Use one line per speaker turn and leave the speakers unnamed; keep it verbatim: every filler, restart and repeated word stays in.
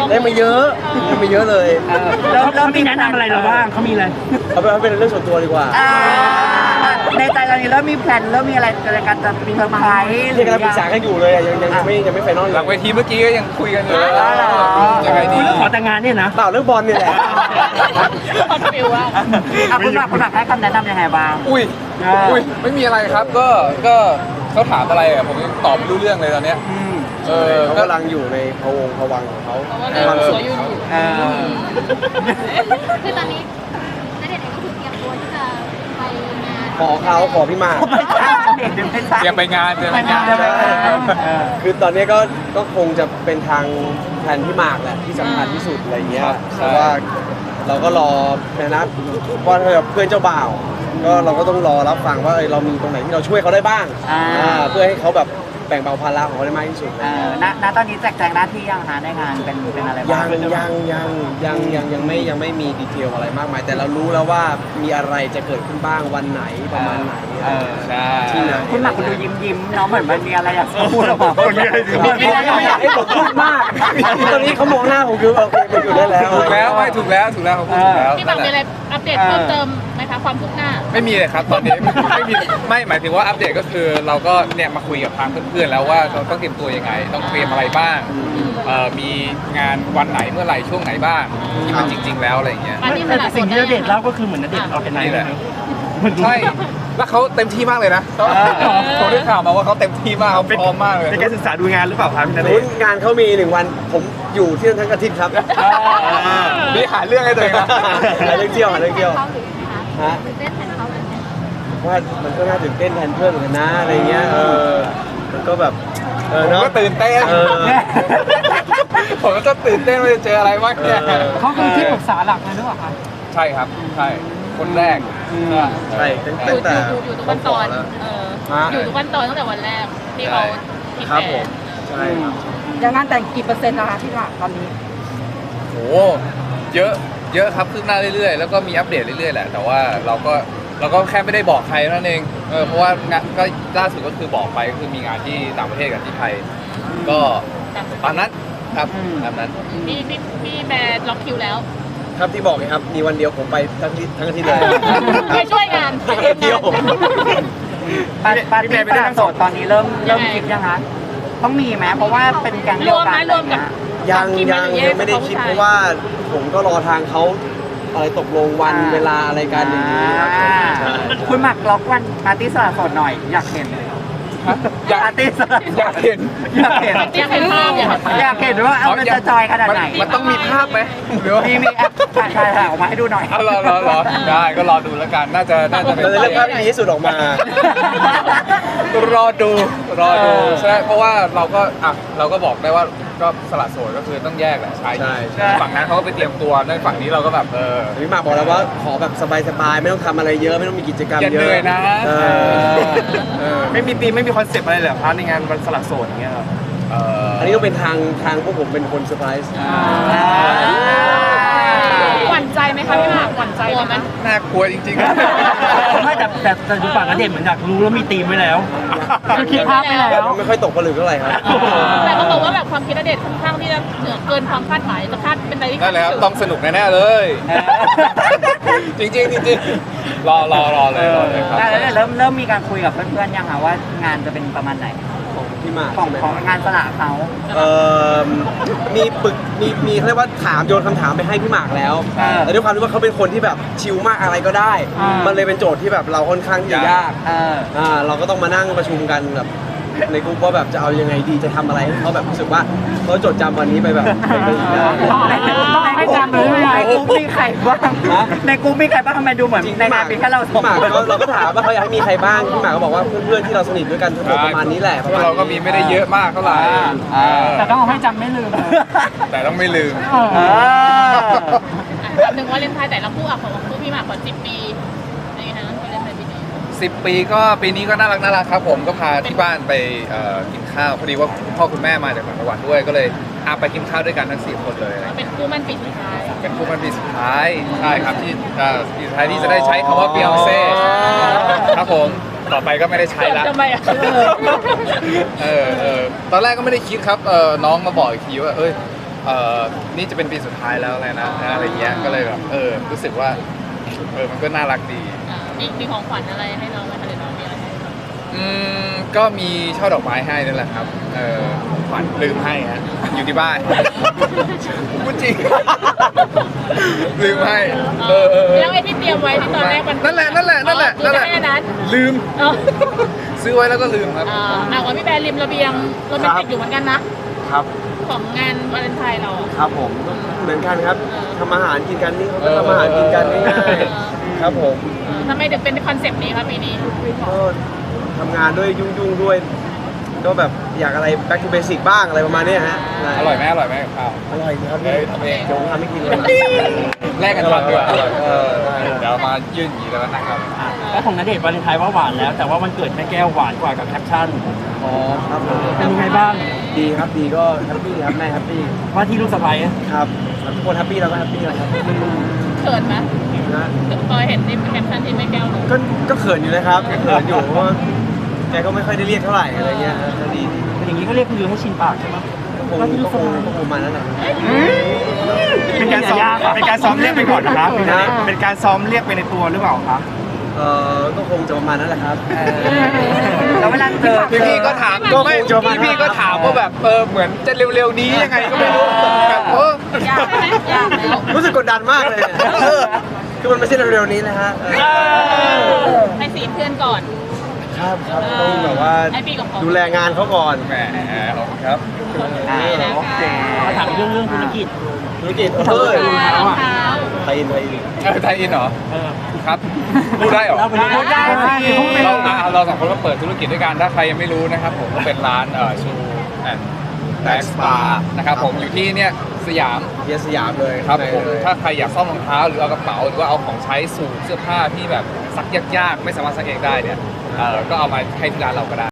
ได้มาเยอะได้มาเยอะเลย
แล้วเขามีแนะนำอะไรเราบ้างเขามีอะไร
เอาไปเอาเป็นเรื่องส่วนตัวดีกว่า
ในใจตอนนี้เริ่มมีแพลนเริ่มมีอะไรในการจะมีเซอร์ไพรส์
ยังกำลังปรึกษากันอยู่เลยอะยังยังยังไม่ยังไม่ไฟนอลอยู่
หลังเวทีเมื่อกี้ก็ยังคุยกันอยู่เลย
ยังไงดีเรื่องขอแต่งงานเนี่ยนะ
เปล่าเรื่องบอลนี่แหละ
ฟิวว่าคุณหลักคุณหลักให้คำแนะนำยังไงบ้าง
อุ้ยอุ้ยไม่มีอะไรครับก็ก็เขาถามอะไรอ่ะผมยังตอบไม่รู้เรื่องเลยตอนเนี้ยเออ
เขากำลังอยู่ในพวงพวังของเขา
ความสุข
อยู่
คือตอนนี้ณเดชน์เองก็คือเตรียมตัวที่จะไปงาน
ขอเขาขอพี่มา
เตรียมไปงานเตรียมไปงาน
คือตอนนี้ก็ก็คงจะเป็นทางแผนพี่หมากแหละที่สำคัญที่สุดอะไรเงี้ยเพราะว่าเราก็รอนะว่าเพื่อนเจ้าบ่าวก็เราก็ต้องรอรับฟังว่าเรามีตรงไหนที่เราช่วยเขาได้บ้างเพื่อให้เขาแบบแบ่งเบาภาระของเขาได้มากที่สุด
ณณตอนนี้แจกแจงหน้าที่ยังหาในงานเป็นเป็นอะไรบ้าง
ยังยังยังยังยังยังไม่ยังไม่มีดีเทลอะไรมากมายแต่เรารู้แล้วว่ามีอะไรจะเกิดขึ้นบ้างวันไหนประมาณไหนที่ไหน
คุณหลักคุณดูยิ้มยิ้มเนาะเหมือนมันมีอะไรอยากพูดออกมาคนนี้
ไม่อยากให้ผมพูดมากตอนนี้เขามองหน้าผมคือโอเคไปอยู่ได้แล้ว
ถูกแล้วไม่ถูกแล้วถูกแล้วเขาพูดถูกแล้ว
พี่บังมีอะไรอัปเดตเพิ่มเติมไหมคะความคืบหน้า
ไม่มีเลยครับตอนนี้ไม่มีไม่หมายถึงว่าอัปเดตก็คือเราก็เนี่ยมาคุยกับทางเพื่อนๆแล้วว่าเราต้องเตรียมตัวยังไงต้องเตรียมอะไรบ้างมีงานวันไหนเมื่อไหร่ช่วงไหนบ้างที่มันจริง ๆแล้วอะไรอย่างเงี้ย
สิ่งที่ณเดชน์เล่าก็คือเหมือนณเดชน์เอาเป็นไง
แหละใช่แล้วเขาเต็มที่มากเลยนะผมได้ข่าวมาว่าเขาเต็มที่มากเขาพร้อมมากเลย
เป็นการศึกษาดูงานหรือเปล่าครับพี่ณเดชน์
งานเขามีหนึ่งวันผมอยู่ที่นั่นทั้งอาทิตย์ครับ
นี่หาเรื่องให้ตัวเองนะ
หาเรื่องเที่ยวหาเรื่องเที่ยว
ฮะตื่นเต้นแทนเขาเลย
ว่ามันก็น่าตื่นเต้นแทนเพื่อนเหมือนกันนะอะไรเงี้ยเออมันก็แบบเออเนาะ
ก็ตื่นเต้นผมก็ตื่นเต้นว่าจะเจออะไรบ้างเนี่ย
เขาคือที่ปรึกษาหลักเลยหรือเปล่าคะ
ใช่ครับใช่คนแรก
ใช่ตั้งแต่
อยู่อยู่ทุกวันตอนเอออยู่ทุกวันตอนตั้งแต่วันแรกที่เขาที่
ครับผมใช่ครับ
ยังงานแต่งกี่เปอร์เซ็นต์นะคะที่หลักตอนนี้
โอ้เยอะเยอะครับคืบหน้าเรื่อยๆแล้วก็มีอัปเดตเรื่อยๆแหละแต่ว่าเราก็เราก็แค่ไม่ได้บอกใครนั่นเองเออเพราะว่างานก็ล่าสุดก็คือบอกไปก็คือมีงานที่ต่างประเทศกับที่ไทยก็ตามนั้นครับตามนั้น
พี่พี่พี่แบร์ล็อกคิวแล้ว
ครับที่บอกไงครับมีวันเดียวผมไปทั้งที่ทั้งอาทิตย์เลย
ไปช่วยงาน
ไปเที่ยว
ปาร์ตี้ฝรั่งโสดตอนนี้เริ่มเริ่มคิดยังคะต้องมีไหมเพราะว่าเป็นแก๊งเดียวกัน
ยังยังยังไม่ได้คิดเพราะว่าผมก็รอทางเขาอะไรตกลงวันเวลาอะไรกันอย่างนี้
คุณหมักล็อกวันปาร์ตี้สละโสดหน่อยอยากเห็น
อยาก
ปาร์ตี้สละ
อยากเห็น
อยากเห็น
อยากเห็นภาพ
อยากเห็นว่าเอามันจะจอยขนาดไหน
มันต้องมีภาพไหม
มีมีแอปถ่ายถ่ายออกมาให้ดูหน่อย
รอรอรอได้ก็รอดูแล้วกันน่าจะน่าจะเป็น
เรื่องภาพที่ดีที่สุดออกมาร
อดูรอดูใช่เพราะว่าเราก็อ่ะเราก็บอกได้ว่าก็สละโสดก็คือต้องแยกแหละชายหญิงฝั่งนั้นเขาก็ไปเตรียมตัวในฝั่งนี้เราก็แบบเออ
พี่หมากบอกแล้วว่าขอแบบสบายๆไม่ต้องทำอะไรเยอะไม่ต้องมีกิจกรรมเยอะ
เลยนะ
ไม่มีธีมไม่มีคอนเซปต์อะไรเลยพาร์ทในงานวันสละโสดอย่างเงี้ยครับ
อันนี้ก็เป็นทางทางพวกผมเป็นคนเซอร์ไพรส์
หวั่นใจไหมคะพี่หมากหวั่นใจไหม
น่ากลัวจริง
ๆไม่แต่แต่แต่ดูฝั่งณเดชน์เหมือนอยากรู้แล้วมีธีมไว้แล้วคือคิดภาพไปแล้ว
ไม่ค่อยตกผลึกเท่าไหร่ครับ
แต่เขาบอกว่าแบบความคิดณเดชน์ค่อนข้างที่จะเหนือเกินความคาดหมายจะคาดเป็นอะไรที่
นั่นแหละครับต้องสนุกแน่ๆเลยจริงๆจริงๆรอรอรอเลยรอเลยครับ
แล้วเริ่มเริ่มมีการคุยกับเพื่อนๆยังคะว่างานจะเป็นประมาณไหน
พี่หมาก
ของของงานสละเขา
เอ่อมีปึกมีมีเรียกว่าถามโยนคำถามไปให้พี่หมากแล้วแต่ด้วยความที่ว่าเขาเป็นคนที่แบบชิลมากอะไรก็ได้มันเลยเป็นโจทย์ที่แบบเราค่อนข้างที่จะยากอ่าเราก็ต้องมานั่งประชุมกันแบบในกลุ่มว่าแบบจะเอายังไงดีจะทำอะไรให้เขาแบบรู้สึกว่าเขาจดจำวันนี้ไปแบบไปได้
ต้องให้จำเลยในกลุ่มมีใครบ้างในกลุ่มมีใครบ้างทำไมดูเหมือนในงานมีแค่เรา
พี่หมากเราก็ถามว่าเขาอยากให้มีใครบ้างพี่หมากก็บอกว่าเพื่อนๆที่เราสนิทด้วยกันทั้งหมดประมาณนี้แหละเพราะ
เราก็มีไม่ได้เยอะมากเท่าไหร่
แต่ต้องให้จำไม่ลืม
แต่ต้องไม่ลืม
หนึ่งวันเลนไทน์แต่ละคู่อ่ะของคู่พี่หมากก่อนสิบปีนี่นะวันเลนไทน์ปีนี้
สิบปีก็ปีนี้ก็น่ารักน่ารักครับผมก็พาที่บ้านไปกินข้าวพอดีว่าพ่อคุณแม่มาจากต่างจังหวัดด้วยก็เลยอาไปกินข้าวด้วยกันทั้งสี่คนเลย
เป็นคู่มั่นปีสุดท้าย
เป็นคู่มั่นปีสุดท้ายใช่ครับที่ปีสุดท้ายที่จะได้ใช้คำว่าเบียงเซ่ครับผมต่อไปก็ไม่ได้ใช้ละ
ทำไมอ่ะ
เออเออตอนแรกก็ไม่ได้คิดครับเออน้องมาบอกอีกทีว่าเอ้ยเออนี่จะเป็นปีสุดท้ายแล้วเลยนะอะไรเงี้ยก็เลยแบบเออรู้สึกว่าเออมันก็น่ารักดี
อ่ามีมีของขวัญอะไรให้น้องไหมคะหรือน้องมีอะไรให้น้อง
อืมก็มีช่อดอกไม้ให้นั่นแหละครับเออขวัญลืมให้ฮะอยู่ที่บ้านพูดจริงลืมให้เออเออเออ
แล้วไอ้ที่เตรียมไว้ที่ตอนแรกมัน
นั่นแหละนั่นแหละนั่นแหละ
อ๋อ
นั่นแหละ
แค่นั้น
ลืม
อ๋อ
ซื้อไว้แล้วก็ลืมครับ
อ่าอ่าว่าพี่แบร์ริมระเบียงโรแมนติกอยู่เหมือนกันนะ
ครับ
ของงานวาเลนไทน์เราอะ
ครับผมก็เหมือนกันครับ
เออ
ทำอาหารกินกันนี่เขาก็
เออ
ทำอาหารกินกันง่าย
เออ
ๆครับผม
เออทำไมถึงเป็นคอนเซปต์นี้ครับปีนี้
ก็ทำงานด้วยยุ่งๆด้วย ก็แบบอยากอะไร back to basic บ้างอะไรประมาณเนี้ยฮะใช่
อร่อยไหมอร่อยไหมกับข้าว
อร่อยครับ
เฮ้ยทำเอง
เดี๋ยวผมทำให้กินเลย
แลกกันทำดีกว่า
อร่อยเออได้
เดี๋ยวมายื่นอย่างนี้แล้วนะครับ
อ่ะแล้วของณเดชน์วาเลนไทน์ว่าหวานแล้ว แต่ว่าวันเกิดแม่แก้วหวานกว่ากับแคปชั่น
อ๋อครับผม
เป็นยังไงบ้าง
ดีครับดีก็แฮปปี้ครับแม่แฮปปี้
ว่าที่ลูกสะใภ้อะ
ครับทุกคนแฮปปี้เราก็แฮปปี้แล้วครับ
เขินไหม
นะ
พอเห็นในแคปชั่นที่แม่แก้วลง
ก็ก็เขินอยู่นะครับเขินอยู่เพราะว่าแกก็ไม่ค่อยได้เรียกเท่าไหร่อะไรเงี้ยก็ดีดี
เป็นอย่างนี้ก็เรียกคุณยูให้ชินปากใช่ไหม
ก็คง
ว่าที่ลู
ก็
ก
ค
สะ
ง
ใภ้
ก็คงมาแล้วแหละ
เป็นการซ้อมเป็นการซ้อมเรียกไปก่อนนะครับเป็นการซ้อมเรียกไปในตัวหรือเปล่าครับ
เออก็คงจะประมาณนั้นแหละครับ
แล้วเวลาเจอ
พี่พี่ก็ถาม
ก็
ไม่
คงจะประมาณ
พี่พี่ก็ถามว่าแบบเออเหมือนจะเร็วๆนี้ยังไงก็ไม่รู้แบบเออ
ยากไหมยากแล้ว
รู้สึกกดดันมากเลยเนี่ยเออคือมันไม่ใช่เร็วๆนี้นะฮะเออ
ให้สีเพื่อนก่อน
ครับครับต้องแบบว่า
ให้พี่กับเขา
ดูแลงานเขาก่อน
แหมขอบคุณครับ
อ่าโอเค
มาถามเรื่องเรื่องธุรกิจ
ธุรกิจ
เอ
เอ
อ
อ
รองเท้า
ไทยอินไทยอิน
เออไทยอินเหรอ
เออ
ครับพูดได้เหรอ
เราไปเรื่อง
ได้สิ
เราอ่ะเราสองคนก็เปิดธุรกิจด้วยกันถ้าใครยังไม่รู้นะครับผมก็เป็นร้านเอ่อชูแอนด์แบ็กสปานะครับผมอยู่ที่เนี่ยสยาม
เฮียสยามเลย
ครับผม
เลย
ถ้าใครอยากซ่อมรองเท้าหรือเอากระเป๋าหรือว่าเอาของใช้สูทเสื้อผ้าที่แบบซักยากๆ ไม่สามารถซักเองได้เนี่ยเอ่อก็เอามาให้ที่ร้านเราก็ได้